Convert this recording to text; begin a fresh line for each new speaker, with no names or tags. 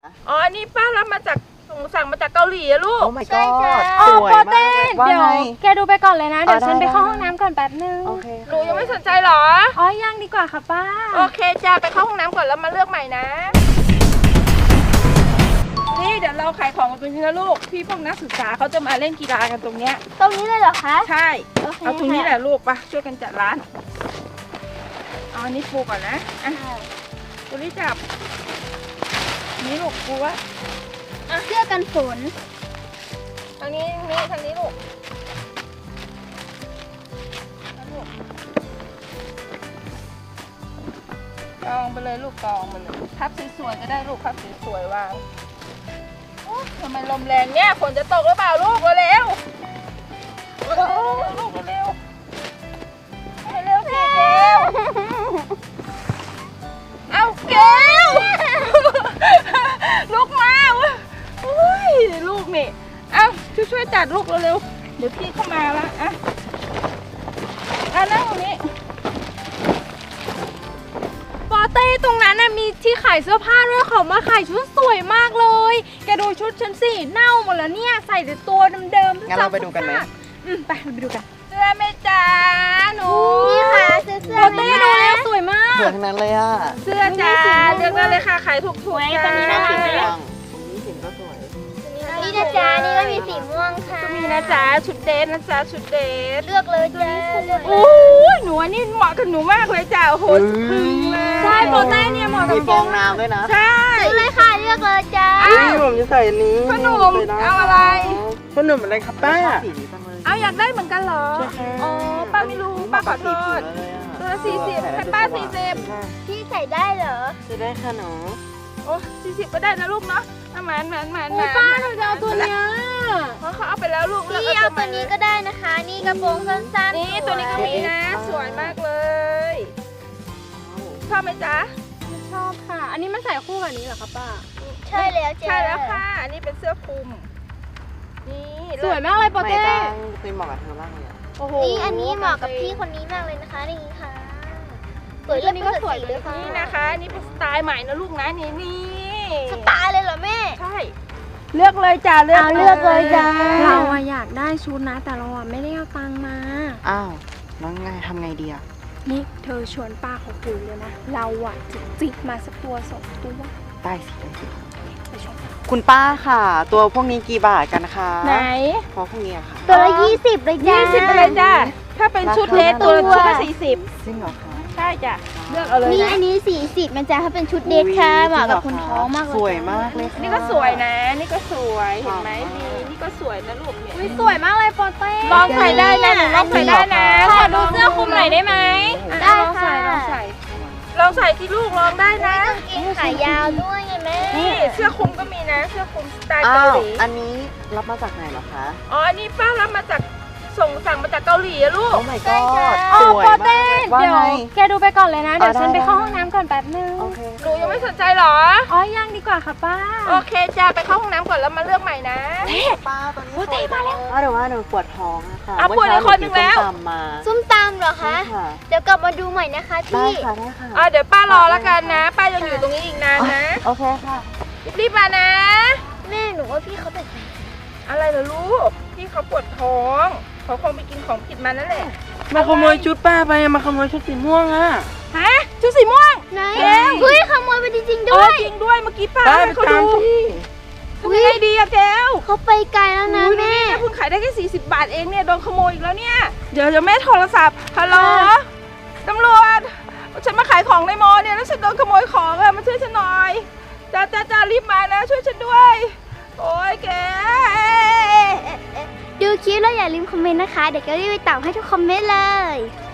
อ๋ออันนี้ป้ารับมาจากสั่งมาจากเกาหลีอะลูก
โอ้ my god สวย
โป
มาก
เต้
ว่า
เดี๋ยว
ไง
แกดูไปก่อนเลยนะ เดี๋ยวฉัน
ได้
ไปเข้าห้องน้ำก่อนแป๊บนึง
โอเค
หนูยังไม่สนใจเหรอ
อ๋อยังดีกว่าค่ะป้า
โอเคจ้าไปเข้าห้องน้ำก่อนแล้วมาเลือกใหม่นะ นี่เดี๋ยวเราขายของกันตรงนี้นะลูก พี่พวกนักศึกษาเขาจะมาเล่นกีฬากันตรงเนี้ย
ตรงนี้เลยเหรอคะ
ใช่
โอเค
เอาตรงนี้แหละลูกปะช่วยกันจัดร้าน เอาอันนี้ปูก่อนนะ อ่ะตัวนี้จับ นี่ลูกปูวะ
เสื้อกันฝน
ทางนี้ทางนี้ลูกเอาลูกกองไปเลยลูกกองไปเลยพับสวยๆก็ได้ลูกพับสวยๆวางโอ้ทำไมลมแรงเนี่ยฝนจะตกหรือเปล่าลูกเร็วๆลูกเร็วๆเร็วๆสิเกลเอาเกลลูกมาอุ้ยลูกนี่เอาช่วยจัดลูกเร็วๆเดี๋ยวพี่เข้ามาละอ่ะนั่งตรงนี้
ปอเต้ตรงนั้นน่ะมีที่ขายเสื้อผ้าด้วยเขามาขายชุดสวยมากเลย แกดูชุดฉันสิเน่าหมดแล้วเนี่ยใส่แต่ตัวเดิมๆ
งั้นเราไปดูกันไหม
ไปไปดูกัน
เสื้อไหม่จ้าหนู
นี่ค่ะซื้อเสื้อ
ปอเต้ดูแล้วสวยมาก
สวยทั้งนั้นเลยอ่ะ
เสื้อจ้าเลือกได้เลยค่ะขายถูกๆจ้า
ชอบสีม่วงนี่สีก็สวย
นี่นะจ๊ะนี่ก็มีสีม่วงค่ะ
ก็มีนะจ๊ะชุดเดทนะจ๊ะชุดเดท
เลือกเลยจ้าเลือกเล
โอ้
ย
ยหนูอันนี้เหมาะกับหนูมากเลยจ้าโอ้โหพึ่งเลย
ใช่ปอเต้เนี่ยเหมาะกับ
มีฟองน้ำด้วยนะ
ใช่
ซื้อเลยค่ะเลือกเลยจ้า
อ้าว
ผมจะใส่อันนี้
พ่อหนุ่มเอาอะไร
พ่อหนุ่มอะไรครับป้า
ชอบสีนี้จังเลย
เอาอยากได้เหมือนกันเหรออ๋อป้าไม่รู้ป้าขอโทษตัวละ40ให้ป้า40
พี่ใส่ได้เหรอ
จะได้ค่ะหนู
โอ้40ก็ได้นะลูกเนาะหมาน
อุ๊ยป้าหนูจะเอาตัวเนี้ย
เพราะเขาเอาไปแล้วลูก
พี่เอาตัวนี้ก็ได้นะคะ นี่กระโปรงสั้นๆ
นี่ตัวนี้ก็มีนะสวยมากเลย ชอบไหมจ๊ะ
ชอบค่ะ อันนี้มันใส่คู่กับนี้เหรอคะป้า
ใช่แล้วจ้า
ใช่แล้วค่ะ อันนี้เป็นเสื้อคลุม นี่
สวยมากเลยปอ
ไม่
เต้
จังเป็นเหมาะกับเธอมากเลยอ่ะ
โอ้โห
นี่อันนี้เหมาะกับพี่คนนี้มากเลยนะคะนี่ค่ะสวยเลือกนี่ก็สวยเลยค่ะ
นี่นะคะนี่เป็นสไตล์ใหม่นะลูกนะนี่นี่
สไตล์เลยเหรอแม่
ใช่ เลือกเลยจ้าเลือก
เอาเลือกเลยจ้า
เราอะอยากได้ชุดนะ แต่เราอะไม่ได้เอาตังค์มา
อ้าวแล้วไงทำไงดีอ่ะ
นี่เธอชวนป้าเขาคุยเลยนะ เราอะจะจิกมาสักตัวสองตัว
ได้สิได้สิ
ไปชมกัน
คุณป้าค่ะ ตัวพวกนี้กี่บาทกันคะ
ไหน
เพราะพวกนี้อะค่ะ
ตัวละ20เลยจ้า
20ไปเลยจ้าถ้าเป็นชุดเลสตัวชุดละ40
จริงเหรอคะ
ใช่จ้ะเลือกเอาเลย
นี่
นะ
อันนี้40มันจะถ้าเป็นชุดเดทค่ะเหมาะกับคนท้องมากเลย
สวยมากเลยค่ะ
นี่ก็สวยนะ นี่ก็สวยเห็นไหมดีนี่ก็สวยนะลูกเนี่ย
อุ๊ยสวยมากเลยปอเต้
ลองใส่ได้นะหนูลองใส่ได้นะ
ขอดูเสื้อคลุมหน่อยได้ไหม
ได้
ลอง
ค่ะ
ใส่ลองใส่ที่ลูกลองได้นะ
กางเกงขายาวด้วยไงแม่
นี่เสื้อคลุมก็มีนะ เสื้อคลุมสไตล์
อ้า
เกาว หลี
อันนี้รับมาจากไหนเหรอคะ
อ๋ออันนี้ป้ารับมาจากสั่งมาจากเกาหลีอะลูก
โอ้ my god
อ๋อ
สวย
ปอ
มา
เต้
กว่า
เดี๋ยว
ไง
แกดูไปก่อนเลยนะ เดี๋ยว
ได้
ฉันไป
ได้
เข้าห้องน้ำก่อนแป๊บนึง
โอเค
หนูยังไม่สนใจเหรอ
อ๋อยังดีกว่าค่ะป้า
โอเคจ้าไปเข้าห้องน้ำก่อนแล้วมาเลือกใหม่นะ
ป้าตอนนี้สวยมาแล้วเดี๋ยวว่าหนูปวดท้องอะค่ะ
อ่ะปวดอีกคนหนึ่งแล้ว
เมื่อเช้าหนูกินส้มตำมา
ส้มตำเหรอคะ
ค่ะ
เดี๋ยวกลับมาดูใหม่นะคะ
ได้
พี่
ค่ะได้ค่ะ
เดี๋ยวป้ารอแล้วกันนะ ป้ายังอยู่ตรงนี้อีกนานนะ
โอเคค่ะ
รีบมานะ
แม่หนูว่าพี่เขาเป็น
อะไรเหรอลูกพี่เขาปวดท้องเขาคงไปกินของผิดมานั่นแหละ
มาขโมยชุดป้าไปมาขโมยชุดสีม่วงอ่ะ
ฮะชุดสีม่วง
ไหน
เอ๊ะ
เฮ้ยขโมยไปจริงๆ
เอ
ด้
อ
วย
จริงด้วยเมื่อกี้ป้า
ป้า
ให้
ไป
เขา
ตาม
ดู
ที่
ทำยังไงดีอะแก้ว
เขาไปไกลแล้วนะแม่
เพิ่งขายได้แค่40 บาทเองเนี่ยโดนขโมยอีกแล้วเนี่ยเดี๋ยวแม่โทรศัพท์ฮัลโหลตำรวจฉันมาขายของในมอเนี่ยแล้วฉันโดนขโมยของอะมาช่วยฉันหน่อยจ้ารีบมานะช่วยฉันด้วยโอ้ยแก
ดูคลิปแล้วอย่าลืมคอมเมนต์นะคะ เดี๋ยวแกรีบไปตอบให้ทุกคอมเมนต์เลย